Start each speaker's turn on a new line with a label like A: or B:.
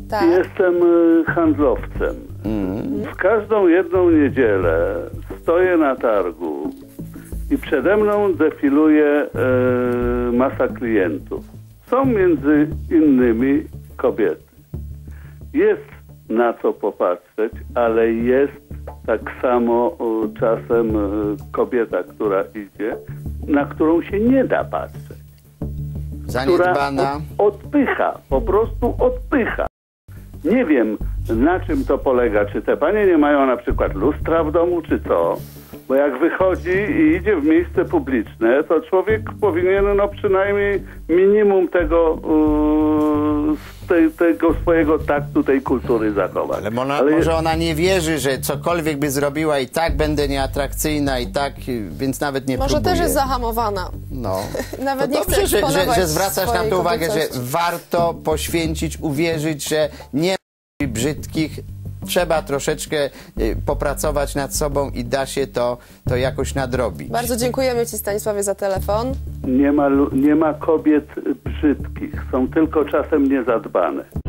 A: Tak.
B: Jestem handlowcem. W każdą jedną niedzielę stoję na targu i przede mną defiluje masa klientów. Są między innymi kobiety. Jest na co popatrzeć, ale jest tak samo czasem kobieta, która idzie, na którą się nie da patrzeć.
C: Zaniedbana.
B: Która odpycha, po prostu odpycha. Nie wiem, na czym to polega. Czy te panie nie mają na przykład lustra w domu, czy co? Bo jak wychodzi i idzie w miejsce publiczne, to człowiek powinien no przynajmniej minimum tego, tego swojego taktu, tej kultury zachować.
C: Ale może ona nie wierzy, że cokolwiek by zrobiła i tak będę nieatrakcyjna i tak, więc nawet nie
A: Może
C: próbuje.
A: też jest zahamowana.
C: No.
A: Nawet
C: To
A: nie chce
C: dobrze,
A: eksponować
C: że zwracasz na
A: swojej
C: to uwagę, że
A: kobiecości.
C: warto poświęcić, uwierzyć, że nie ma brzydkich. Trzeba troszeczkę popracować nad sobą i da się to jakoś nadrobić.
A: Bardzo dziękujemy Ci, Stanisławie, za telefon.
B: Nie ma kobiet brzydkich, są tylko czasem niezadbane.